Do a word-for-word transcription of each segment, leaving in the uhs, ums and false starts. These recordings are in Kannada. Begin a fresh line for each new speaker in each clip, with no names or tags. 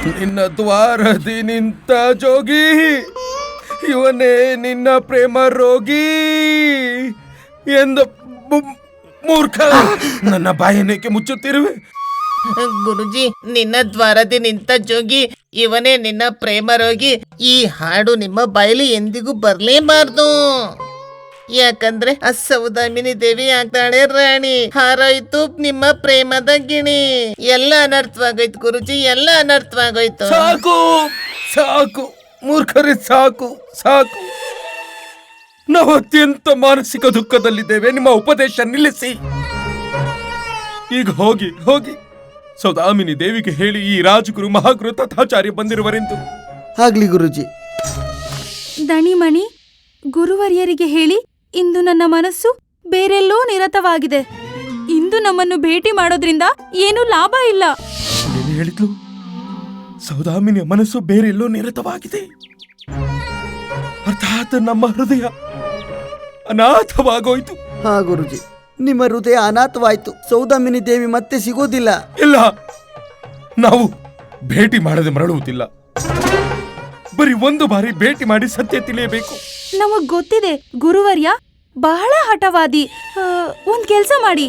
ನಿನ್ನ ದ್ವಾರದಿ ನಿಂತ ಜೋಗಿ, ಇವನೇ ನಿನ್ನ ಪ್ರೇಮ ರೋಗಿ ಎಂದ ಮೂರ್ಖ, ನನ್ನ ಬಾಯನೇಕೆ ಮುಚ್ಚುತ್ತಿರುವೆ?
ಗುರುಜಿ, ನಿನ್ನ ದ್ವಾರದಿ ನಿಂತ ಜೋಗಿ, ಇವನೇ ನಿನ್ನ ಪ್ರೇಮ ರೋಗಿ. ಈ ಹಾಡು ನಿಮ್ಮ ಬಾಯಲ್ಲಿ ಎಂದಿಗೂ ಬರ್ಲೇಬಾರ್ದು. ಯಾಕಂದ್ರೆ ಆ ಸೌದಾಮಿನಿ ದೇವಿ ಆಗ್ತಾಳೆ ರಾಣಿ, ಹಾರೋಯ್ತು ನಿಮ್ಮ ಪ್ರೇಮದ ಗಿಣಿ. ಎಲ್ಲ ಅನರ್ಥವಾಗೋಯ್ತು ಗುರುಜಿ, ಎಲ್ಲ ಅನರ್ಥವಾಗೋಯ್ತು.
ಸಾಕು ಸಾಕು ಮೂರ್ಖರೇ, ಸಾಕು ಸಾಕು. ನಾವು ಅತ್ಯಂತ ಮಾನಸಿಕ ದುಃಖದಲ್ಲಿದ್ದೇವೆ. ನಿಮ್ಮ ಉಪದೇಶ ನಿಲ್ಲಿಸಿ. ಈಗ ಹೋಗಿ ಹೋಗಿ ಸೌದಾಮಿನಿ ದೇವಿಗೆ ಹೇಳಿ ಈ ರಾಜಗುರು ಮಹಾಗುರು ತಥಾಚಾರ್ಯ ಬಂದಿರುವರೆಂದು.
ಆಗ್ಲಿ ಗುರುಜಿ.
ದಣಿಮಣಿ, ಗುರುವರ್ಯರಿಗೆ ಹೇಳಿ ಇಂದು ನನ್ನ ಮನಸ್ಸು ಬೇರೆಲ್ಲೋ ನಿರತವಾಗಿದೆ. ಇಂದು ನಮ್ಮನ್ನು ಭೇಟಿ ಮಾಡೋದ್ರಿಂದ ಏನೂ ಲಾಭ ಇಲ್ಲ.
ಏನು ಹೇಳಿದ್ಲು? ಸೌದಾಮಿನಿಯ ಮನಸ್ಸು ಬೇರೆಲ್ಲೋ ನಿರತವಾಗಿದೆ. ಅರ್ಥಾತ್ ನಮ್ಮ ಹೃದಯ ಅನಾಥವಾಗೋಯ್ತು.
ಹಾ ಗುರುಜಿ, ನಿಮ್ಮ ಹೃದಯ ಅನಾಥವಾಯ್ತು. ಸೌದಾಮಿನಿ ದೇವಿ ಮತ್ತೆ ಸಿಗೋದಿಲ್ಲ.
ಇಲ್ಲ, ನಾವು ಭೇಟಿ ಮಾಡದೆ ಮರಳುವುದಿಲ್ಲ. ಬರೀ ಒಂದು ಬಾರಿ ಭೇಟಿ ಮಾಡಿ ಸತ್ಯ ತಿಳಿಯಬೇಕು.
ನಮಗ್ ಗೊತ್ತಿದೆ, ಗುರುವರ್ಯ ಬಹಳ ಹಠವಾದಿ. ಒಂದ್ ಕೆಲ್ಸ ಮಾಡಿ,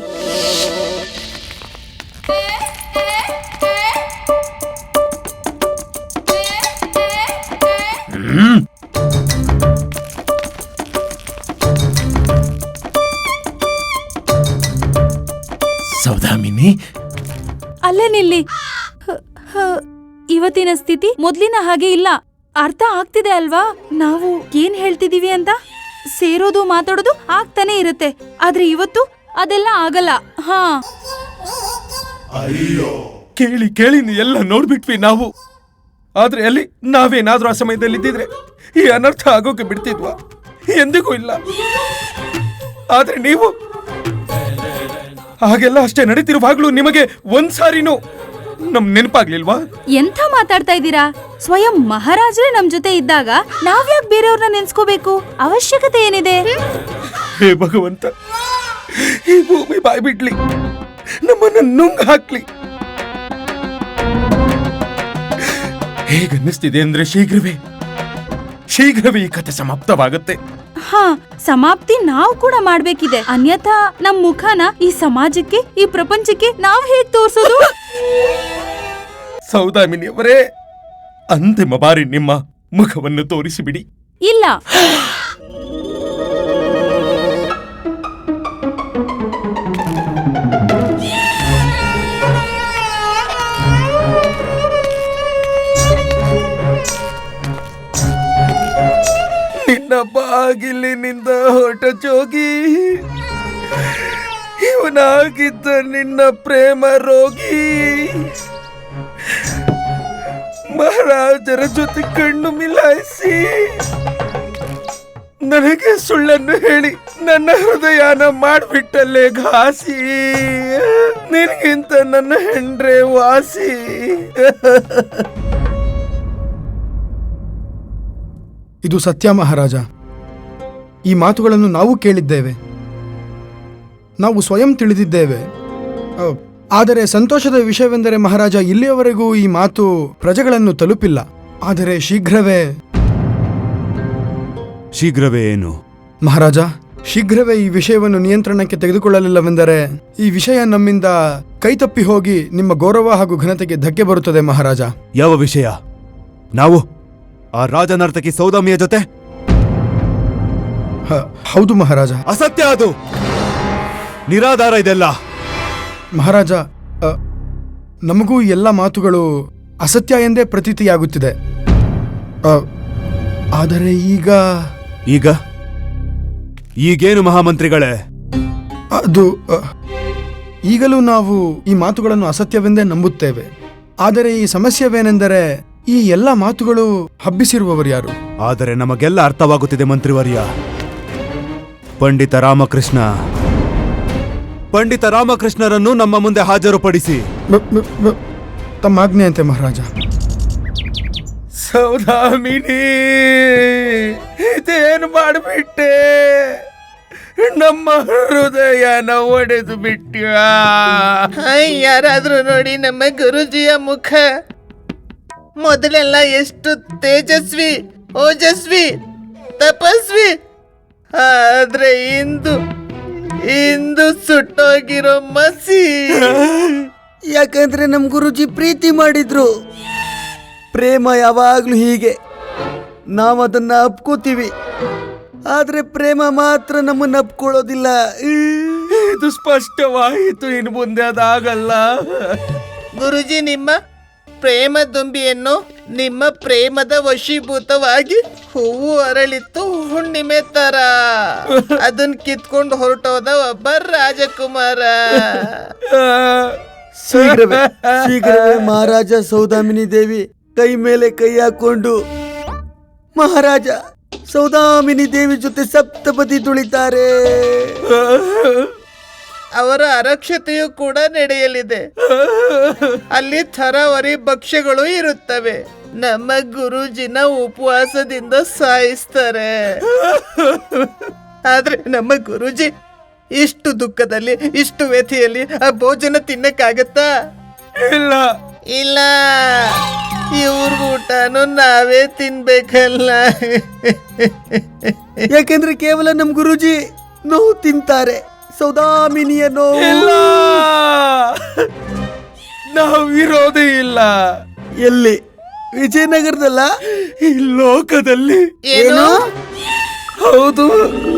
ಸೌದಾಮಿನಿ,
ಅಲ್ಲೇ ನಿಲ್ಲಿ. ಇವತ್ತಿನ ಸ್ಥಿತಿ ಮೊದ್ಲಿನ ಹಾಗೆ ಇಲ್ಲ. ಅರ್ಥ ಆಗ್ತಿದೆ ಅಲ್ವಾ ನಾವು ಏನ್ ಹೇಳ್ತಿದೀವಿ ಅಂತ? ಸೇರೋದು ಮಾತಾಡೋದು ಆಗ್ತಾನೆ ಇರುತ್ತೆ, ಆದ್ರೆ ಇವತ್ತು ಅದೆಲ್ಲ ಆಗಲ್ಲ. ಹಾ,
ಕೇಳಿ ಕೇಳಿ ಎಲ್ಲ ನೋಡ್ಬಿಟ್ವಿ ನಾವು. ಆದ್ರೆ ಅಲ್ಲಿ ನಾವೇನಾದ್ರೂ ಆ ಸಮಯದಲ್ಲಿ ಇದ್ದಿದ್ರೆ ಈ ಅನರ್ಥ ಆಗೋಕೆ ಬಿಡ್ತಿದ್ವಾ? ಎಂದಿಗೂ ಇಲ್ಲ. ಆದ್ರೆ ನೀವು ಹಾಗೆಲ್ಲ ಅಷ್ಟೇ ನಡೀತಿರುವಾಗ್ಲೂ ನಿಮಗೆ ಒಂದ್ಸಾರಿನೂ ನಮ್ ನೆನಪಾಗ್ಲಿಲ್ವಾ?
ಎಂಥ ಮಾತಾಡ್ತಾ ಇದ್ದೀರಾ? ಸ್ವಯಂ ಮಹಾರಾಜರೇ ನಮ್ ಜೊತೆ ಇದ್ದಾಗ ನಾವ್ಯಾಕ್ ಬೇರೆಯವ್ರನ್ನ ನೆನ್ಸ್ಕೋಬೇಕು? ಅವಶ್ಯಕತೆ ಏನಿದೆ?
ಹೇ ಭಗವಂತ, ಈ ಭೂಮಿ ಬಾಯ್ ಬಿಡ್ಲಿ, ನಮ್ಮನ್ನ ನುಂಗ್ ಹಾಕ್ಲಿ. ಹೇಗನ್ನಿಸ್ತಿದೆ ಅಂದ್ರೆ ಶೀಘ್ರವೇ ಶೀಘ್ರವೇ ಈ ಕಥೆ ಸಮಾಪ್ತವಾಗುತ್ತೆ.
ಹಾ, ಸಮಾಪ್ತಿ ನಾವು ಕೂಡ ಮಾಡ್ಬೇಕಿದೆ. ಅನ್ಯಥಾ ನಮ್ ಮುಖನ ಈ ಸಮಾಜಕ್ಕೆ, ಈ ಪ್ರಪಂಚಕ್ಕೆ ನಾವ್ ಹೇಗ್ ತೋರ್ಸೋದು?
ಸೌದಾಮಿನಿಯವರೇ, ಅಂತಿಮ ಬಾರಿ ನಿಮ್ಮ ಮುಖವನ್ನು ತೋರಿಸಿಬಿಡಿ.
ಇಲ್ಲ,
ನಿನ್ನ ಬಾಗಿಲಿನಿಂದ ಹೊರಟ ಜೋಗಿ, ಇವನಾಗಿದ್ದ ನಿನ್ನ ಪ್ರೇಮ ರೋಗಿ, ಮಹಾರಾಜರ ಜೊತೆ ಕಣ್ಣು ಮಿಲಾಯಿಸಿ ನನಗೆ ಸುಳ್ಳನ್ನು ಹೇಳಿ ನನ್ನ ಹೃದಯನ ಮಾಡ್ಬಿಟ್ಟಲ್ಲೇ ಘಾಸಿ. ನಿನಗಿಂತ ನನ್ನ ಹೆಂಡ್ರೆ ವಾಸಿ.
ಇದು ಸತ್ಯ ಮಹಾರಾಜ. ಈ ಮಾತುಗಳನ್ನು ನಾವು ಕೇಳಿದ್ದೇವೆ, ನಾವು ಸ್ವಯಂ ತಿಳಿದಿದ್ದೇವೆ. ಆದರೆ ಸಂತೋಷದ ವಿಷಯವೆಂದರೆ ಮಹಾರಾಜ, ಇಲ್ಲಿಯವರೆಗೂ ಈ ಮಾತು ಪ್ರಜೆಗಳನ್ನು ತಲುಪಿಲ್ಲ. ಆದರೆ ಶೀಘ್ರವೇ
ಶೀಘ್ರವೇ ಏನು
ಮಹಾರಾಜ? ಶೀಘ್ರವೇ ಈ ವಿಷಯವನ್ನು ನಿಯಂತ್ರಣಕ್ಕೆ ತೆಗೆದುಕೊಳ್ಳಲಿಲ್ಲವೆಂದರೆ ಈ ವಿಷಯ ನಮ್ಮಿಂದ ಕೈತಪ್ಪಿ ಹೋಗಿ ನಿಮ್ಮ ಗೌರವ ಹಾಗೂ ಘನತೆಗೆ ಧಕ್ಕೆ ಬರುತ್ತದೆ ಮಹಾರಾಜ.
ಯಾವ ವಿಷಯ? ನಾವು ಆ ರಾಜನರ್ತಕಿ ಸೌದಾಮಿಯ ಜೊತೆ?
ಹೌದು ಮಹಾರಾಜ.
ಅಸತ್ಯ, ಅದು ನಿರಾಧಾರ ಇದೆಲ್ಲ.
ಮಹಾರಾಜ, ನಮಗೂ ಎಲ್ಲ ಮಾತುಗಳು ಅಸತ್ಯ ಎಂದೇ ಪ್ರತೀತಿಯಾಗುತ್ತಿದೆ. ಆದರೆ ಈಗ
ಈಗ ಈಗೇನು ಮಹಾಮಂತ್ರಿಗಳೇ?
ಅದು ಈಗಲೂ ನಾವು ಈ ಮಾತುಗಳನ್ನು ಅಸತ್ಯವೆಂದೇ ನಂಬುತ್ತೇವೆ. ಆದರೆ ಈ ಸಮಸ್ಯೆವೇನೆಂದರೆ ಈ ಎಲ್ಲ ಮಾತುಗಳು ಹಬ್ಬಿಸಿರುವವರು ಯಾರು?
ಆದರೆ ನಮಗೆಲ್ಲ ಅರ್ಥವಾಗುತ್ತಿದೆ ಮಂತ್ರಿವರ್ಯ. ಪಂಡಿತ ರಾಮಕೃಷ್ಣ ಪಂಡಿತ ರಾಮಕೃಷ್ಣರನ್ನು ನಮ್ಮ ಮುಂದೆ ಹಾಜರುಪಡಿಸಿ.
ತಮ್ಮ ಆಜ್ಞೆಯಂತೆ ಮಹಾರಾಜ.
ಸೌದಾಮಿನಿ, ಇದೇನು ಮಾಡಿಬಿಟ್ಟೆ? ನಮ್ಮ ಹೃದಯನ ಒಡೆದು ಬಿಟ್ಟ್ಯಾ.
ಯಾರಾದ್ರೂ ನೋಡಿ ನಮ್ಮ ಗುರುಜಿಯ ಮುಖ. ಮೊದಲೆಲ್ಲ ಎಷ್ಟು ತೇಜಸ್ವಿ, ಓಜಸ್ವಿ, ತಪಸ್ವಿ. ಆದ್ರೆ ಇಂದು ಇಂದು ಸುಟ್ಟೋಗಿರೋ ಮಸಿ.
ಯಾಕಂದ್ರೆ ನಮ್ ಗುರುಜಿ ಪ್ರೀತಿ ಮಾಡಿದ್ರು. ಪ್ರೇಮ ಯಾವಾಗ್ಲೂ ಹೀಗೆ, ನಾವು ಅದನ್ನ ಅಪ್ಕೋತೀವಿ, ಆದ್ರೆ ಪ್ರೇಮ ಮಾತ್ರ ನಮ್ಮನ್ನ ಅಪ್ಕೊಳ್ಳೋದಿಲ್ಲ.
ಇದು ಸ್ಪಷ್ಟವಾಯಿತು, ಇನ್ನು ಮುಂದೆ ಅದಾಗಲ್ಲ.
ಗುರುಜಿ, ನಿಮ್ಮ ಪ್ರೇಮ ದುಂಬಿಯನ್ನು ನಿಮ್ಮ ಪ್ರೇಮದ ವಶೀಭೂತವಾಗಿ ಹೂವು ಅರಳಿತ್ತು ಹುಣ್ಣಿಮೆ ತರ. ಅದನ್ನ ಕಿತ್ಕೊಂಡು ಹೊರಟೋದ ಒಬ್ಬ ರಾಜಕುಮಾರ.
ಶೀಘ್ರವೇ ಶೀಘ್ರವೇ ಮಹಾರಾಜ ಸೌದಾಮಿನಿ ದೇವಿ ಕೈ ಮೇಲೆ ಕೈ ಹಾಕೊಂಡು ಮಹಾರಾಜ ಸೌದಾಮಿನಿ ದೇವಿ ಜೊತೆ ಸಪ್ತಪದಿ ತುಳಿತಾರೆ.
ಅವರ ಅರಕ್ಷತೆಯು ಕೂಡ ನಡೆಯಲಿದೆ. ಅಲ್ಲಿ ಥರವರಿ ಭಕ್ಷ್ಯಗಳು ಇರುತ್ತವೆ. ನಮ್ಮ ಗುರುಜಿನ ಉಪವಾಸದಿಂದ ಸಾಯಿಸ್ತಾರೆ. ಆದ್ರೆ ನಮ್ಮ ಗುರುಜಿ ಇಷ್ಟು ದುಃಖದಲ್ಲಿ, ಇಷ್ಟು ವ್ಯಥೆಯಲ್ಲಿ ಆ ಭೋಜನ ತಿನ್ನಕ್ಕಾಗತ್ತಾ?
ಇಲ್ಲ
ಇಲ್ಲ, ಇವ್ರ ಊಟನು ನಾವೇ ತಿನ್ಬೇಕಲ್ಲ.
ಯಾಕೆಂದ್ರೆ ಕೇವಲ ನಮ್ ಗುರುಜಿ ನೋವು ತಿಂತಾರೆ, ಸೌದಾಮಿನಿಯ ನೋವು.
ಇಲ್ಲ, ನಾವು ಇರೋದೇ ಇಲ್ಲ.
ಎಲ್ಲಿ? ವಿಜಯನಗರದಲ್ಲ?
ಈ ಲೋಕದಲ್ಲಿ.
ಏನು?
ಹೌದು.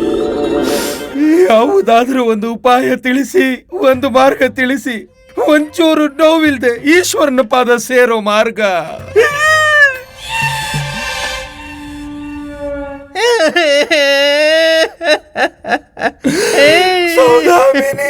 ಯಾವುದಾದ್ರೂ ಒಂದು ಉಪಾಯ ತಿಳಿಸಿ, ಒಂದು ಮಾರ್ಗ ತಿಳಿಸಿ, ಒಂಚೂರು ನೋವಿಲ್ದೆ ಈಶ್ವರನ ಪಾದ ಸೇರೋ ಮಾರ್ಗ. ಸೌದಾಮಿನಿ,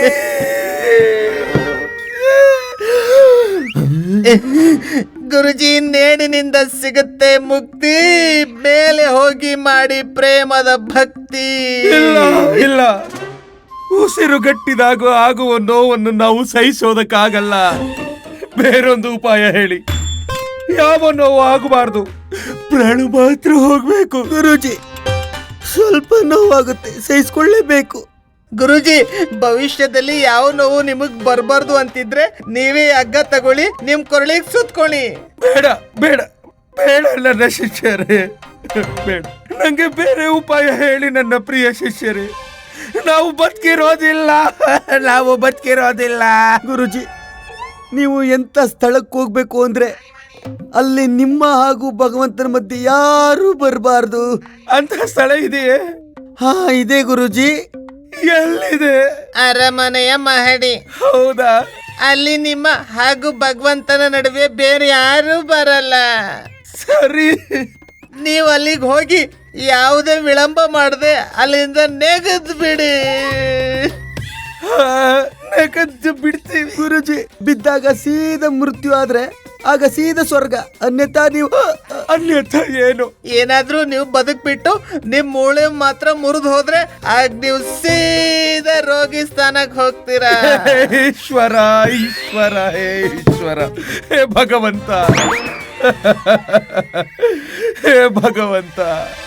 ಗುರುಜಿ, ನೇಣಿನಿಂದ ಸಿಗುತ್ತೆ ಮುಕ್ತಿ, ಮೇಲೆ ಹೋಗಿ ಮಾಡಿ ಪ್ರೇಮದ ಭಕ್ತಿ.
ಇಲ್ಲ ಇಲ್ಲ, ಉಸಿರುಗಟ್ಟಿದಾಗ ಆಗುವ ನೋವನ್ನು ನಾವು ಸಹಿಸೋದಕ್ಕಾಗಲ್ಲ. ಬೇರೊಂದು ಉಪಾಯ ಹೇಳಿ. ಯಾವ ನೋವು ಆಗಬಾರ್ದು, ಪ್ರಾಣ ಮಾತ್ರ ಹೋಗ್ಬೇಕು.
ಗುರುಜಿ, ಸ್ವಲ್ಪ ನೋವಾಗುತ್ತೆ, ಸಹಿಸ್ಕೊಳ್ಳೇಬೇಕು.
ಗುರುಜಿ, ಭವಿಷ್ಯದಲ್ಲಿ ಯಾವ ನೋವು ನಿಮಗ್ ಬರ್ಬಾರ್ದು ಅಂತಿದ್ರೆ ನೀವೇ ಹಗ್ಗ ತಗೊಳ್ಳಿ, ನಿಮ್ ಕೊರಳಿಗೆ ಸುತ್ಕೊಳ್ಳಿ.
ಬೇಡ ಬೇಡ ಬೇಡ ನನ್ನ ಶಿಷ್ಯರೇ, ಬೇಡ. ನಂಗೆ ಬೇರೆ ಉಪಾಯ ಹೇಳಿ ನನ್ನ ಪ್ರಿಯ ಶಿಷ್ಯರೇ. ನಾವು ಬದುಕಿರೋದಿಲ್ಲ, ನಾವು ಬದುಕಿರೋದಿಲ್ಲ.
ಗುರುಜಿ, ನೀವು ಎಂತ ಸ್ಥಳಕ್ಕೆ ಹೋಗ್ಬೇಕು ಅಂದ್ರೆ ಅಲ್ಲಿ ನಿಮ್ಮ ಹಾಗೂ ಭಗವಂತನ ಮಧ್ಯೆ ಯಾರೂ ಬರಬಾರ್ದು
ಅಂತ ಸ್ಥಳ ಇದೆಯೇ?
ಹಾ, ಇದೆ ಗುರುಜಿ.
ಎಲ್ಲಿದೆ?
ಅರಮನೆಯ ಮಹಡಿ.
ಹೌದಾ?
ಅಲ್ಲಿ ನಿಮ್ಮ ಹಾಗೂ ಭಗವಂತನ ನಡುವೆ ಬೇರೆ ಯಾರು ಬರಲ್ಲ.
ಸರಿ,
ನೀವು ಅಲ್ಲಿಗೆ ಹೋಗಿ ಯಾವುದೇ ವಿಳಂಬ ಮಾಡದೆ ಅಲ್ಲಿಂದ ನೆಗೆದ್ ಬಿಡಿ.
ನೆಗೆದ್ದು ಬಿಡ್ತೀವಿ.
ಗುರುಜಿ, ಬಿದ್ದಾಗ ಸೀದಾ ಮೃತ್ಯು ಆದ್ರೆ ಆಗ ಸೀದಾ ಸ್ವರ್ಗ, ಅನ್ಯಥಾ ನೀವು
ಅನ್ಯಥ ಏನು?
ಏನಾದ್ರೂ ನೀವು ಬದುಕ್ಬಿಟ್ಟು ನಿಮ್ ಮೂಳೆ ಮಾತ್ರ ಮುರಿದು ಹೋದ್ರೆ ಆಗ ನೀವು ಸೀದಾ ರೋಗಿ ಸ್ಥಾನಕ್ಕೆ ಹೋಗ್ತೀರಾ.
ಈಶ್ವರ, ಈಶ್ವರ, ಹೇ ಈಶ್ವರ, ಹೇ ಭಗವಂತ, ಹೇ ಭಗವಂತ.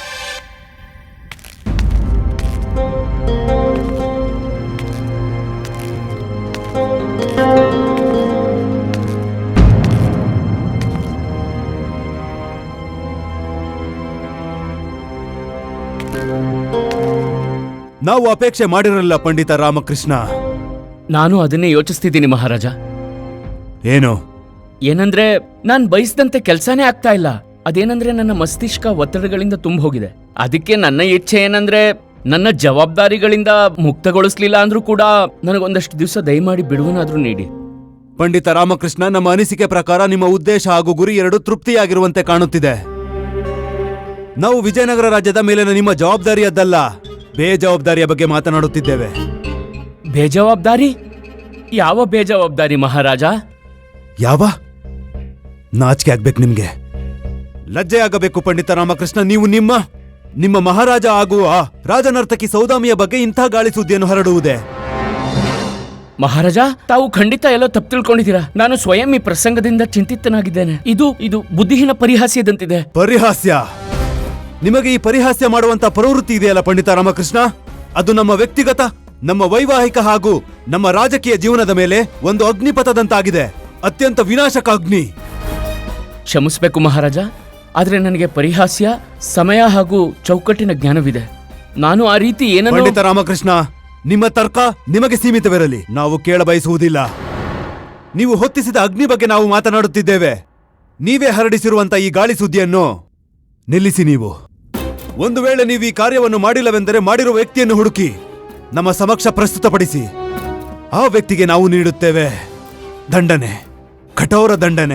ನಾವು ಅಪೇಕ್ಷೆ ಮಾಡಿರಲಿಲ್ಲ ಪಂಡಿತ ರಾಮಕೃಷ್ಣ.
ನಾನು ಅದನ್ನೇ ಯೋಚಿಸ್ತಿದ್ದೀನಿ ಮಹಾರಾಜ.
ಏನು?
ಏನಂದ್ರೆ ನಾನ್ ಬಯಸಿದಂತೆ ಕೆಲ್ಸಾನೇ ಆಗ್ತಾ ಇಲ್ಲ. ಅದೇನಂದ್ರೆ ನನ್ನ ಮಸ್ತಿಷ್ಕ ಒತ್ತಡಗಳಿಂದ ತುಂಬ ಹೋಗಿದೆ. ಅದಕ್ಕೆ ನನ್ನ ಇಚ್ಛೆ ಏನಂದ್ರೆ ನನ್ನ ಜವಾಬ್ದಾರಿಗಳಿಂದ ಮುಕ್ತಗೊಳಿಸ್ಲಿಲ್ಲ ಅಂದ್ರೂ ಕೂಡ ನನಗೊಂದಷ್ಟು ದಿವಸ ದಯಮಾಡಿ ಬಿಡುವನಾದ್ರೂ ನೀಡಿ.
ಪಂಡಿತ ರಾಮಕೃಷ್ಣ, ನಮ್ಮ ಅನಿಸಿಕೆ ಪ್ರಕಾರ ನಿಮ್ಮ ಉದ್ದೇಶ ಹಾಗೂ ಗುರಿ ಎರಡು ತೃಪ್ತಿಯಾಗಿರುವಂತೆ ಕಾಣುತ್ತಿದೆ. ನಾವು ವಿಜಯನಗರ ರಾಜ್ಯದ ಮೇಲಿನ ನಿಮ್ಮ ಜವಾಬ್ದಾರಿಯದ್ದಲ್ಲ, ಬೇಜವಾಬ್ದಾರಿಯ ಬಗ್ಗೆ ಮಾತನಾಡುತ್ತಿದ್ದೇವೆ.
ಬೇಜವಾಬ್ದಾರಿ? ಯಾವ ಬೇಜವಾಬ್ದಾರಿ ಮಹಾರಾಜ?
ಯಾವ? ನಾಚಿಕೆ ಆಗ್ಬೇಕು ನಿಮ್ಗೆ, ಲಜ್ಜೆ ಆಗಬೇಕು ಪಂಡಿತ ರಾಮಕೃಷ್ಣ. ನೀವು ನಿಮ್ಮ ನಿಮ್ಮ ಮಹಾರಾಜ ಆಗುವ ರಾಜನರ್ತಕಿ ಸೌದಾಮಿಯ ಬಗ್ಗೆ ಇಂಥ ಗಾಳಿ ಸುದ್ದಿಯನ್ನು ಹರಡುವುದೇ?
ಮಹಾರಾಜ, ತಾವು ಖಂಡಿತ ಎಲ್ಲೋ ತಪ್ಪು ತಿಳ್ಕೊಂಡಿದ್ದೀರಾ. ನಾನು ಸ್ವಯಂ ಈ ಪ್ರಸಂಗದಿಂದ ಚಿಂತಿತನಾಗಿದ್ದೇನೆ. ಇದು ಇದು ಬುದ್ಧಿಹೀನ ಪರಿಹಾಸ್ಯದಂತಿದೆ.
ಪರಿಹಾಸ್ಯ? ನಿಮಗೆ ಈ ಪರಿಹಾಸ್ಯ ಮಾಡುವಂತ ಪ್ರವೃತ್ತಿ ಇದೆಯಲ್ಲ ಪಂಡಿತ ರಾಮಕೃಷ್ಣ, ಅದು ನಮ್ಮ ವ್ಯಕ್ತಿಗತ, ನಮ್ಮ ವೈವಾಹಿಕ ಹಾಗೂ ನಮ್ಮ ರಾಜಕೀಯ ಜೀವನದ ಮೇಲೆ ಒಂದು ಅಗ್ನಿಪಥದಂತಾಗಿದೆ. ಅತ್ಯಂತ ವಿನಾಶಕ ಅಗ್ನಿ.
ಕ್ಷಮಿಸ್ಬೇಕು ಮಹಾರಾಜ, ಆದ್ರೆ ನನಗೆ ಪರಿಹಾಸ್ಯ, ಸಮಯ ಹಾಗೂ ಚೌಕಟ್ಟಿನ ಜ್ಞಾನವಿದೆ. ನಾನು ಆ ರೀತಿ ಏನನ್ನು
ಪಂಡಿತ ರಾಮಕೃಷ್ಣ, ನಿಮ್ಮ ತರ್ಕ ನಿಮಗೆ ಸೀಮಿತವಿರಲಿ. ನಾವು ಕೇಳ ಬಯಸುವುದಿಲ್ಲ. ನೀವು ಹೊತ್ತಿಸಿದ ಅಗ್ನಿ ಬಗ್ಗೆ ನಾವು ಮಾತನಾಡುತ್ತಿದ್ದೇವೆ. ನೀವೇ ಹರಡಿಸಿರುವಂತ ಈ ಗಾಳಿ ಸುದ್ದಿಯನ್ನು ನಿಲ್ಲಿಸಿ. ನೀವು ಒಂದು ವೇಳೆ ನೀವು ಈ ಕಾರ್ಯವನ್ನು ಮಾಡಿಲ್ಲವೆಂದರೆ ಮಾಡಿರುವ ವ್ಯಕ್ತಿಯನ್ನು ಹುಡುಕಿ ನಮ್ಮ ಸಮಕ್ಷ ಪ್ರಸ್ತುತಪಡಿಸಿ. ಆ ವ್ಯಕ್ತಿಗೆ ನಾವು ನೀಡುತ್ತೇವೆ ದಂಡನೆ, ಕಠೋರ ದಂಡನೆ.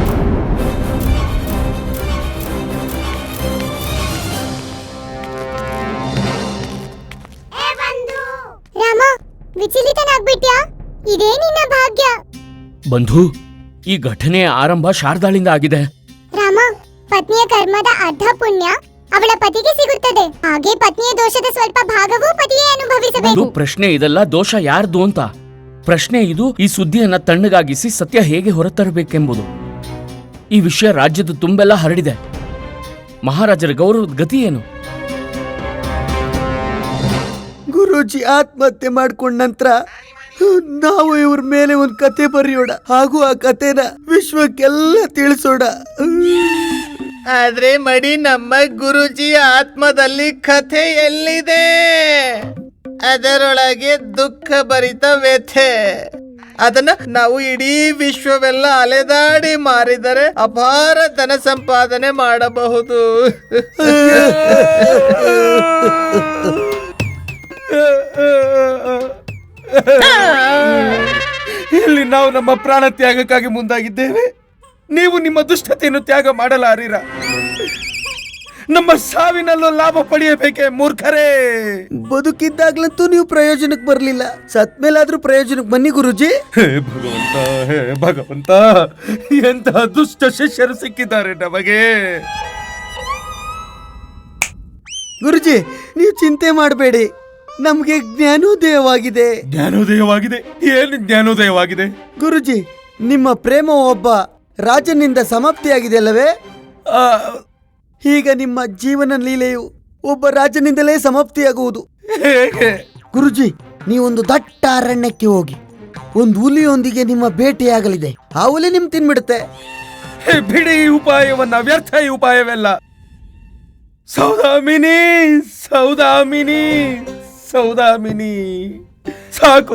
ರಾಮ, ವಿಚಲಿತನಾಗ್ಬಿಟ್ಯಾ? ಇದೇ ನಿನ್ನ ಭಾಗ್ಯ.
ಬಂಧು, ಈ ಘಟನೆಯ ಆರಂಭ ಶಾರದಾಳಿಂದ ಆಗಿದೆ.
ರಾಮ, ಪತ್ನಿಯ ಕರ್ಮದ ಅರ್ಧ ಪುಣ್ಯ ಅವಳ ಪತಿಗೆ ಸಿಗುತ್ತದೆ. ಹಾಗೆ ಪತ್ನಿಯ ದೋಷದ ಸ್ವಲ್ಪ ಭಾಗವೂ ಪತಿಯೇ
ಒಂದು
ಅನುಭವಿಸಬೇಕು.
ಪ್ರಶ್ನೆ ಇದಲ್ಲ ದೋಷ ಯಾರ್ದು ಅಂತ. ಪ್ರಶ್ನೆ ಇದು, ಈ ಸುದ್ದಿಯನ್ನ ತಣ್ಣಗಾಗಿಸಿ ಸತ್ಯ ಹೇಗೆ ಹೊರತರಬೇಕೆಂಬುದು. ಈ ವಿಷಯ ರಾಜ್ಯದ ತುಂಬೆಲ್ಲ ಹರಡಿದೆ. ಮಹಾರಾಜರ ಗೌರವದ ಗತಿ ಏನು?
ಗುರೂಜಿ ಆತ್ಮಹತ್ಯೆ ಮಾಡ್ಕೊಂಡ ನಂತರ ನಾವು ಇವ್ರ ಮೇಲೆ ಒಂದು ಕತೆ ಬರೆಯೋಣ, ಹಾಗೂ ಆ ಕತೆನ ವಿಶ್ವಕ್ಕೆಲ್ಲ ತಿಳಿಸೋಣ.
ಆದ್ರೆ ಮಡಿ, ನಮ್ಮ ಗುರುಜಿಯ ಆತ್ಮದಲ್ಲಿ ಕಥೆ ಎಲ್ಲಿದೆ? ಅದರೊಳಗೆ ದುಃಖ ಭರಿತ ವ್ಯಥೆ. ಅದನ್ನ ನಾವು ಇಡೀ ವಿಶ್ವವೆಲ್ಲ ಅಲೆದಾಡಿ ಮಾರಿದರೆ ಅಪಾರ ಧನ ಸಂಪಾದನೆ ಮಾಡಬಹುದು.
ಇಲ್ಲಿ ನಾವು ನಮ್ಮ ಪ್ರಾಣ ತ್ಯಾಗಕ್ಕಾಗಿ ಮುಂದಾಗಿದ್ದೇವೆ. ನೀವು ನಿಮ್ಮ ದುಷ್ಟತೆಯನ್ನು ತ್ಯಾಗ ಮಾಡಲಾರಿರ. ನಮ್ಮ ಸಾವಿನಲ್ಲೂ ಲಾಭ ಪಡೆಯಬೇಕೆ ಮೂರ್ಖರೇ?
ಬದುಕಿದ್ದಾಗ್ಲಂತೂ ನೀವು ಪ್ರಯೋಜನಕ್ಕೆ ಬರಲಿಲ್ಲ, ಸತ್ ಮೇಲಾದ್ರೂ ಪ್ರಯೋಜನಕ್ಕೆ ಬನ್ನಿ ಗುರುಜಿ.
ಹೇ ಭಗವಂತ, ಹೇ ಭಗವಂತ, ಎಂತಹ ದುಷ್ಟ ಶಿಷ್ಯರು ಸಿಕ್ಕಿದ್ದಾರೆ ನಮಗೆ.
ಗುರುಜಿ, ನೀವು ಚಿಂತೆ ಮಾಡಬೇಡಿ, ನಮ್ಗೆ ಜ್ಞಾನೋದಯವಾಗಿದೆ.
ಜ್ಞಾನೋದಯವಾಗಿದೆ? ಏನು ಜ್ಞಾನೋದಯವಾಗಿದೆ?
ಗುರುಜಿ, ನಿಮ್ಮ ಪ್ರೇಮ ಒಬ್ಬ ರಾಜನಿಂದ ಸಮಾಪ್ತಿಯಾಗಿದೆ ಅಲ್ಲವೇ?
ಆ,
ಈಗ ನಿಮ್ಮ ಜೀವನ ಲೀಲೆಯು ಒಬ್ಬ ರಾಜನಿಂದಲೇ ಸಮಾಪ್ತಿಯಾಗುವುದು.
ಹೇಗೆ?
ಗುರುಜಿ, ನೀವೊಂದು ದಟ್ಟ ಅರಣ್ಯಕ್ಕೆ ಹೋಗಿ ಒಂದು ಹುಲಿಯೊಂದಿಗೆ ನಿಮ್ಮ ಭೇಟಿಯಾಗಲಿದೆ. ಆ ಹುಲಿ ನಿಮ್ ತಿನ್ಬಿಡುತ್ತೆ.
ಹೇ, ಬಿಡಿ ಈ ಉಪಾಯವನ್ನ, ವ್ಯರ್ಥ ಈ ಉಪಾಯವೆಲ್ಲ. ಸೌದಾಮಿನಿ, ಸೌದಾಮಿನಿ, ಸೌದಾಮಿನಿ, ಸಾಕು.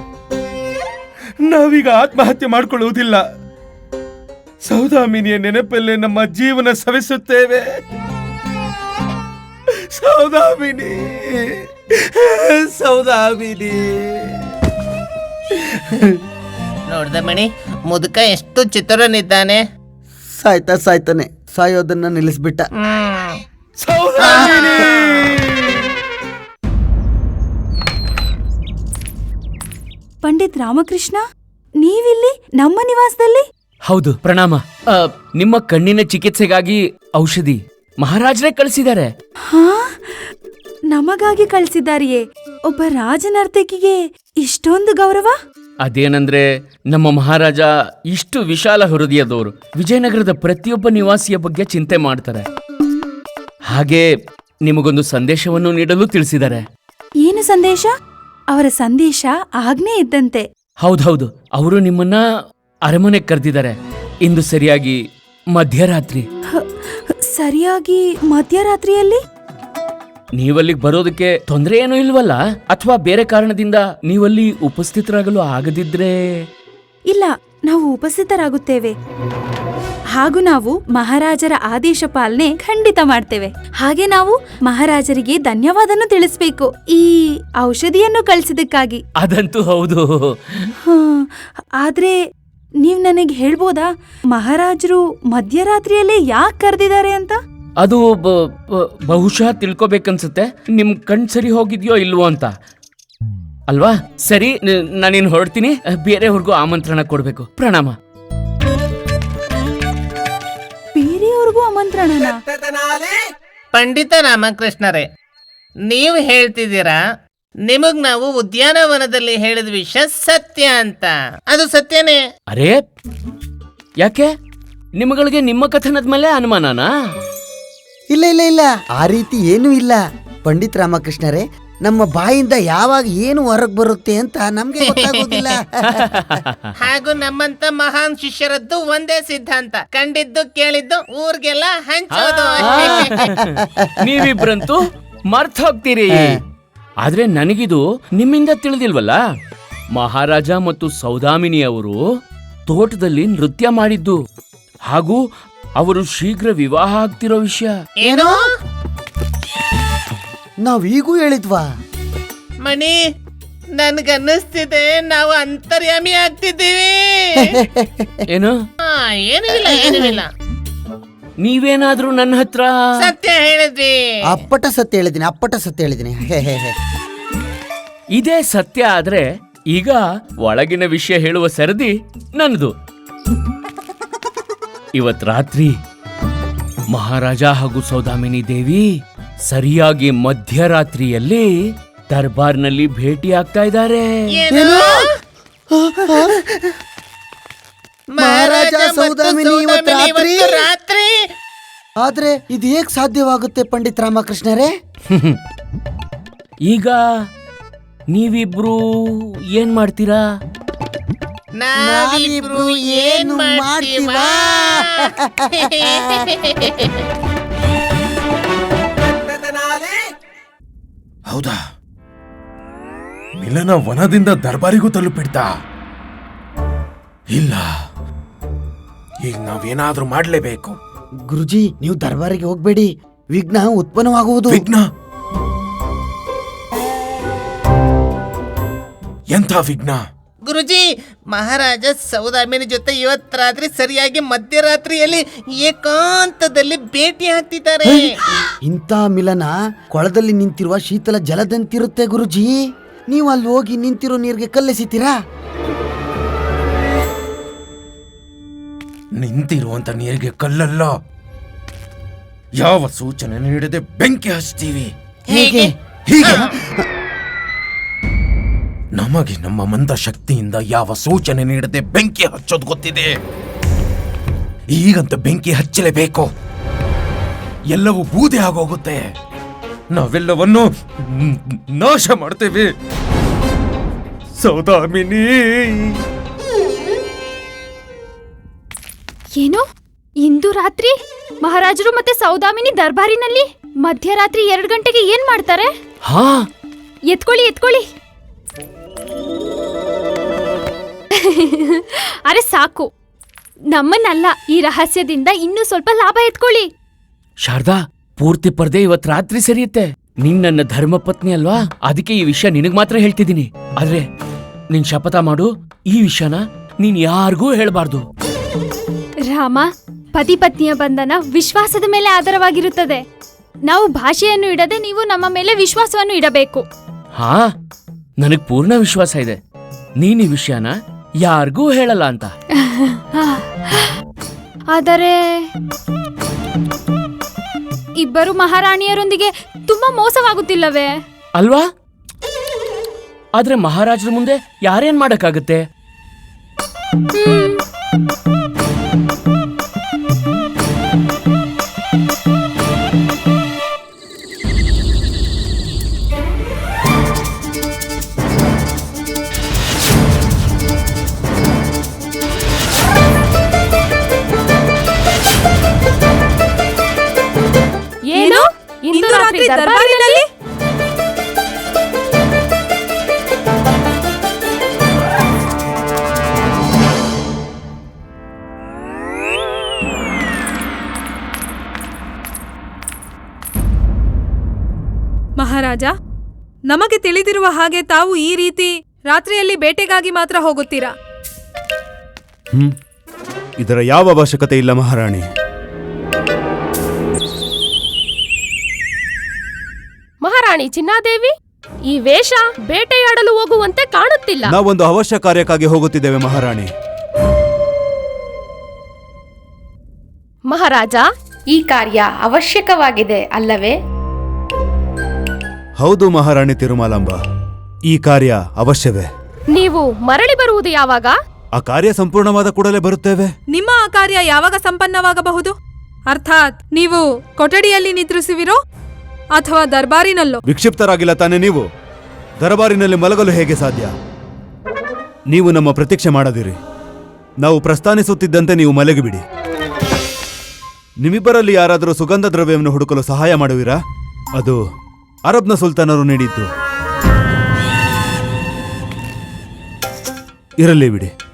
ನಾವೀಗ ಆತ್ಮಹತ್ಯೆ ಮಾಡಿಕೊಳ್ಳುವುದಿಲ್ಲ. ಸೌದಾಮಿನಿಯ ನೆನಪಲ್ಲೇ ನಮ್ಮ ಜೀವನ ಸವಿಸುತ್ತೇವೆ. ಸೌದಾಮಿನಿ, ಸೌದಾಮಿನಿ.
ನೋಡ್ದ ಮಣಿ, ಮುದುಕ ಎಷ್ಟು ಚಿತ್ರನಿದ್ದಾನೆ.
ಸಾಯ್ತಾ ಸಾಯ್ತಾನೆ, ಸಾಯೋದನ್ನ ನಿಲ್ಲಿಸ್ಬಿಟ್ಟ.
ಹ್ಮ್
ಸೌದಾಮಿನಿ.
ಪಂಡಿತ್ ರಾಮಕೃಷ್ಣ, ನೀವಿಲ್ಲಿ ನಮ್ಮ ನಿವಾಸದಲ್ಲಿ?
ಹೌದು, ಪ್ರಣಾಮ. ಆ, ನಿಮ್ಮ ಕಣ್ಣಿನ ಚಿಕಿತ್ಸೆಗಾಗಿ ಔಷಧಿ ಮಹಾರಾಜರೇ ಕಳಿಸಿದ್ದಾರೆ.
ಹಾ, ನಮಗಾಗಿ ಕಳ್ಸಿದ್ದಾರಿಯೇ? ಒಬ್ಬ ರಾಜನರ್ತಕಿಗೆ ಇಷ್ಟೊಂದು ಗೌರವ?
ಅದೇನಂದ್ರೆ, ನಮ್ಮ ಮಹಾರಾಜ ಇಷ್ಟು ವಿಶಾಲ ಹೃದಯದವರು. ವಿಜಯನಗರದ ಪ್ರತಿಯೊಬ್ಬ ನಿವಾಸಿಯ ಬಗ್ಗೆ ಚಿಂತೆ ಮಾಡ್ತಾರೆ. ಹಾಗೆ ನಿಮಗೊಂದು ಸಂದೇಶವನ್ನು ನೀಡಲು ತಿಳಿಸಿದ್ದಾರೆ.
ಏನು ಸಂದೇಶ? ಅವರ ಸಂದೇಶ ಆಜ್ಞೆ ಇದ್ದಂತೆ.
ಹೌದೌದು, ಅವರು ನಿಮ್ಮನ್ನ ಅರಮನೆಗೆ ಕರೆದಿದ್ದಾರೆ. ಇಂದು ಸರಿಯಾಗಿ ಮಧ್ಯರಾತ್ರಿ.
ಹ, ಸರಿಯಾಗಿ ಮಧ್ಯರಾತ್ರಿಯಲ್ಲಿ?
ನೀವಲ್ಲಿಗೆ ಬರೋದಕ್ಕೆ ತೊಂದರೆ ಏನೂ ಇಲ್ವಲ್ಲ? ಅಥವಾ ಬೇರೆ ಕಾರಣದಿಂದ ನೀವಲ್ಲಿ ಉಪಸ್ಥಿತರಾಗಲು ಆಗದಿದ್ರೆ?
ಇಲ್ಲ, ನಾವು ಉಪಸ್ಥಿತರಾಗುತ್ತೇವೆ. ಹಾಗೂ ನಾವು ಮಹಾರಾಜರ ಆದೇಶ ಪಾಲನೆ ಖಂಡಿತ ಮಾಡ್ತೇವೆ. ಹಾಗೆ ನಾವು ಮಹಾರಾಜರಿಗೆ ಧನ್ಯವಾದನು ತಿಳಿಸ್ಬೇಕು ಈ ಔಷಧಿಯನ್ನು ಕಳಿಸಿದಕ್ಕಾಗಿ.
ಅದಂತೂ ಹೌದು.
ಹ, ಆದ್ರೆ ನೀವ್ ನನಗೆ ಹೇಳ್ಬೋದಾ, ಮಹಾರಾಜರು ಮಧ್ಯರಾತ್ರಿಯಲ್ಲೇ ಯಾಕೆ ಕರೆದಿದ್ದಾರೆ ಅಂತ?
ಅದು ಬ- ಬ- ಬಹುಶಃ ತಿಳ್ಕೊಬೇಕನ್ಸುತ್ತೆ. ನಿಮ್ ಕಣ್ ಸರಿ ಹೋಗಿದ್ಯೋ ಇಲ್ವೋ ಅಂತ ಅಲ್ವಾ? ಸರಿ, ನ- ನಾನಿನ್ ಹೊರಡ್ತೀನಿ. ಬೇರೆಯವ್ರಿಗೂ ಆಮಂತ್ರಣ ಕೊಡ್ಬೇಕು. ಪ್ರಣಾಮ.
ಬೇರೆಯವ್ರಿಗೂ ಆಮಂತ್ರಣನಾ?
ಪಂಡಿತ ರಾಮಕೃಷ್ಣರೇ, ನೀವು ಹೇಳ್ತಿದ್ದೀರಾ ನಿಮಗ್ ನಾವು ಉದ್ಯಾನವನದಲ್ಲಿ ಹೇಳಿದ ವಿಷಯ ಸತ್ಯ ಅಂತ. ಅದು ಸತ್ಯನೇ?
ಅರೇ, ಯಾಕೆ ನಿಮಗಳಿಗೆ ನಿಮ್ಮ ಕಥನದ ಮೇಲೆ ಅನುಮಾನನಾ?
ಇಲ್ಲ ಇಲ್ಲ ಇಲ್ಲ, ಆ ರೀತಿ ಏನೂ ಇಲ್ಲ. ಪಂಡಿತ್ ರಾಮಕೃಷ್ಣರೇ, ನಮ್ಮ ಬಾಯಿಂದ ಯಾವಾಗ ಏನು ಹೊರಗ್ ಬರುತ್ತೆ ಅಂತ ನಮ್ಗೆ ಗೊತ್ತಾಗೋದಿಲ್ಲ.
ಹಾಗೂ ನಮ್ಮಂತ ಮಹಾನ್ ಶಿಷ್ಯರದ್ದು ಒಂದೇ ಸಿದ್ಧಾಂತ, ಕಂಡಿದ್ದು ಕೇಳಿದ್ದು ಊರ್ಗೆಲ್ಲ ಹಂಚೋದು.
ನೀವಿಬ್ರಂತೂ ಮರ್ತ್ ಹೋಗ್ತೀರಿ. ಆದ್ರೆ ನನಗಿದು ನಿಮ್ಮಿಂದ ತಿಳಿದಿಲ್ವಲ್ಲ. ಮಹಾರಾಜ ಮತ್ತು ಸೌದಾಮಿನಿ ಅವರು ತೋಟದಲ್ಲಿ ನೃತ್ಯ ಮಾಡಿದ್ದು ಹಾಗೂ ಅವರು ಶೀಘ್ರ ವಿವಾಹ ಆಗ್ತಿರೋ ವಿಷಯ.
ಏನು
ನಾವೀಗೂ ಹೇಳಿದ್ವಾ?
ಮಣಿ, ನನ್ಗನ್ನಿಸ್ತಿದೆ ನಾವು ಅಂತರ್ಯಾಮಿ ಆಗ್ತಿದ್ದೀವಿ.
ಏನು?
ಹಾ, ಏನೂ ಇಲ್ಲ ಏನೂ ಇಲ್ಲ.
ನೀವೇನಾದ್ರೂ ನನ್ನ ಹತ್ರ
ಸತ್ಯ ಹೇಳಿದ್ವಿ.
ಅಪ್ಪಟ ಸತ್ಯ ಹೇಳಿದ್ದೀನಿ, ಅಪ್ಪಟ ಸತ್ಯ ಹೇಳಿದ್ದೀನಿ.
ಇದೇ ಸತ್ಯ ಆದ್ರೆ ಈಗ ಒಳಗಿನ ವಿಷಯ ಹೇಳುವ ಸರದಿ ನನ್ನದು. ಇವತ್ ರಾತ್ರಿ ಮಹಾರಾಜ ಹಾಗೂ ಸೌದಾಮಿನಿ ದೇವಿ ಸರಿಯಾಗಿ ಮಧ್ಯರಾತ್ರಿಯಲ್ಲಿ ದರ್ಬಾರ್ನಲ್ಲಿ ಭೇಟಿ ಆಗ್ತಾ ಇದ್ದಾರೆ.
ಏನು?
ಮಹಾರಾಜ ಸೌದಾಮಿನಿ ಇವತ್ತು ರಾತ್ರಿ?
ರಾತ್ರಿ
ಆದ್ರೆ ಇದು ಹೇಗ್ ಸಾಧ್ಯವಾಗುತ್ತೆ ಪಂಡಿತ್ ರಾಮಕೃಷ್ಣರೇ?
ಈಗ ನೀವಿಬ್ರು ಏನ್ ಮಾಡ್ತೀರಾ?
ನಾವಿಬ್ರು ಏನ್ ಮಾಡ್ತೀವಾ?
ಹೌದಾ? ಮಿಲನ ವನದಿಂದ ದರ್ಬಾರಿಗೂ ತಲುಪಿಡ್ತಾ? ಇಲ್ಲ, ಈಗ ನಾವೇನಾದ್ರೂ ಮಾಡ್ಲೇಬೇಕು.
ಗುರುಜಿ, ನೀವು ದರ್ಬಾರಿಗೆ ಹೋಗ್ಬೇಡಿ, ವಿಘ್ನ ಉತ್ಪನ್ನವಾಗುವುದು.
ವಿಘ್ನ? ಎಂಥ ವಿಘ್ನ?
ಗುರುಜಿ, ಮಹಾರಾಜ ಸೌದಾಮಿನಿ ಜೊತೆ ಇವತ್ ರಾತ್ರಿ ಸರಿಯಾಗಿ ಮಧ್ಯರಾತ್ರಿಯಲ್ಲಿ ಏಕಾಂತದಲ್ಲಿ ಭೇಟಿ ಆಗ್ತಿದ್ದಾರೆ.
ಇಂಥ ಮಿಲನ ಕೊಳದಲ್ಲಿ ನಿಂತಿರುವ ಶೀತಲ ಜಲದಂತಿರುತ್ತೆ ಗುರುಜಿ. ನೀವು ಅಲ್ಲಿ ಹೋಗಿ ನಿಂತಿರೋ ನೀರಿಗೆ ಕಲ್ಲೆಸಿತೀರಾ?
ನಿಂತಿರುವಂತ ನೀರಿಗೆ ಕಲ್ಲಲ್ಲ, ಯಾವ ಸೂಚನೆ ನೀಡದೆ ಬೆಂಕಿ ಹಚ್ತೀವಿ.
ಹೇಗೆ?
ಹೀಗೆ ನಮಗೆ ನಮ್ಮ ಮಂದ ಶಕ್ತಿಯಿಂದ ಯಾವ ಸೂಚನೆ ನೀಡದೆ ಬೆಂಕಿ ಹಚ್ಚೋದು ಗೊತ್ತಿದೆ. ಈಗಂತ ಬೆಂಕಿ ಹಚ್ಚಲೇಬೇಕು, ಎಲ್ಲವೂ ಬೂದೆ ಆಗೋಗುತ್ತೆ. ನಾವೆಲ್ಲವನ್ನು ನಾಶ ಮಾಡ್ತೇವೆ. ಸೌದಾಮಿನಿ,
ಏನು? ಇಂದು ರಾತ್ರಿ ಮಹಾರಾಜರು ಮತ್ತೆ ಸೌದಾಮಿನಿ ದರ್ಬಾರಿನಲ್ಲಿ ಮಧ್ಯರಾತ್ರಿ ಎರಡು ಗಂಟೆಗೆ ಏನ್ ಮಾಡ್ತಾರೆ?
ಹಾ,
ಎತ್ಕೊಳ್ಳಿ ಎತ್ಕೊಳ್ಳಿ. ಅರೆ ಸಾಕು, ನಮ್ಮನ್ನಲ್ಲ, ಈ ರಹಸ್ಯದಿಂದ ಇನ್ನೂ ಸ್ವಲ್ಪ ಲಾಭ ಎತ್ಕೊಳ್ಳಿ.
ಶಾರದಾ, ಪೂರ್ತಿ ಪರ್ದೆ ಇವತ್ ರಾತ್ರಿ ಸರಿಯುತ್ತೆ. ನೀನ್ ನನ್ನ ಧರ್ಮಪತ್ನಿ ಅಲ್ವಾ, ಅದಕ್ಕೆ ಈ ವಿಷಯ ನಿನಗ್ ಮಾತ್ರ ಹೇಳ್ತಿದ್ದೀನಿ. ಆದ್ರೆ ನಿನ್ ಶಪಥ ಮಾಡು, ಈ ವಿಷಯನ ನೀನ್ ಯಾರಿಗೂ ಹೇಳ್ಬಾರ್ದು.
ರಾಮ, ಪತಿ ಪತ್ನಿಯ ಬಂಧನ ವಿಶ್ವಾಸದ ಮೇಲೆ ಆಧಾರವಾಗಿರುತ್ತದೆ. ನಾವು ಭಾಷೆಯನ್ನು ಇಡದೆ ನೀವು ನಮ್ಮ ಮೇಲೆ ವಿಶ್ವಾಸವನ್ನು ಇಡಬೇಕು.
ಹಾ, ನನಗ್ ಪೂರ್ಣ ವಿಶ್ವಾಸ ಇದೆ ನೀನ್ ಈ ವಿಷಯನ ಯಾರಿಗೂ ಹೇಳಲ್ಲ ಅಂತ.
ಆದರೆ ಇಬ್ಬರು ಮಹಾರಾಣಿಯರೊಂದಿಗೆ ತುಂಬಾ ಮೋಸವಾಗುತ್ತಿಲ್ಲವೇ?
ಅಲ್ವಾ? ಆದ್ರೆ ಮಹಾರಾಜರ ಮುಂದೆ ಯಾರೇನ್ ಮಾಡಕ್ಕಾಗತ್ತೆ?
ಏನು? ಇಂದು ರಾತ್ರಿ ದರ್ಬಾರಿನಲ್ಲಿ?
ಮಹಾರಾಜ, ನಮಗೆ ತಿಳಿದಿರುವ ಹಾಗೆ ತಾವು ಈ ರೀತಿ ರಾತ್ರಿಯಲ್ಲಿ ಬೇಟೆಗಾಗಿ ಮಾತ್ರ ಹೋಗುತ್ತೀರಾ?
ಹ್ಮ್ ಇದರ ಯಾವ ಅವಶ್ಯಕತೆ ಇಲ್ಲ ಮಹಾರಾಣಿ.
ಮಹಾರಾಣಿ ಚಿನ್ನಾದೇವಿ, ಈ ವೇಷ ಬೇಟೆಯಾಡಲು ಹೋಗುವಂತೆ ಕಾಣುತ್ತಿಲ್ಲ.
ನಾವೊಂದು ಅವಶ್ಯ ಕಾರ್ಯಕ್ಕಾಗಿ ಹೋಗುತ್ತಿದ್ದೇವೆ ಮಹಾರಾಣಿ.
ಮಹಾರಾಜ, ಈ ಕಾರ್ಯ ಅವಶ್ಯಕವಾಗಿದೆ ಅಲ್ಲವೇ?
ಹೌದು ಮಹಾರಾಣಿ ತಿರುಮಲಾಂಬ, ಈ ಕಾರ್ಯ ಅವಶ್ಯವೇ.
ನೀವು ಮರಳಿ ಬರುವುದು ಯಾವಾಗ?
ಆ ಕಾರ್ಯ ಸಂಪೂರ್ಣವಾದ ಕೂಡಲೇ ಬರುತ್ತೇವೆ.
ನಿಮ್ಮ ಆ ಕಾರ್ಯ ಯಾವಾಗ ಸಂಪನ್ನವಾಗಬಹುದು? ಅರ್ಥಾತ್ ನೀವು ಕೊಠಡಿಯಲ್ಲಿ ನಿದ್ರಿಸುವಿರೋ ಅಥವಾ ದರ್ಬಾರಿನಲ್ಲೋ?
ವಿಕ್ಷಿಪ್ತರಾಗಿಲ್ಲ ತಾನೇ ನೀವು? ದರಬಾರಿನಲ್ಲಿ ಮಲಗಲು ಹೇಗೆ ಸಾಧ್ಯ? ನೀವು ನಮ್ಮ ಪ್ರತೀಕ್ಷೆ ಮಾಡದಿರಿ. ನಾವು ಪ್ರಸ್ಥಾನಿಸುತ್ತಿದ್ದಂತೆ ನೀವು ಮಲಗಿಬಿಡಿ. ನಿಮ್ಮಿಬ್ಬರಲ್ಲಿ ಯಾರಾದರೂ ಸುಗಂಧ ದ್ರವ್ಯವನ್ನು ಹುಡುಕಲು ಸಹಾಯ ಮಾಡುವಿರಾ? ಅದು ಅರಬ್ನ ಸುಲ್ತಾನರು ನೀಡಿದ್ದು. ಇರಲಿ ಬಿಡಿ.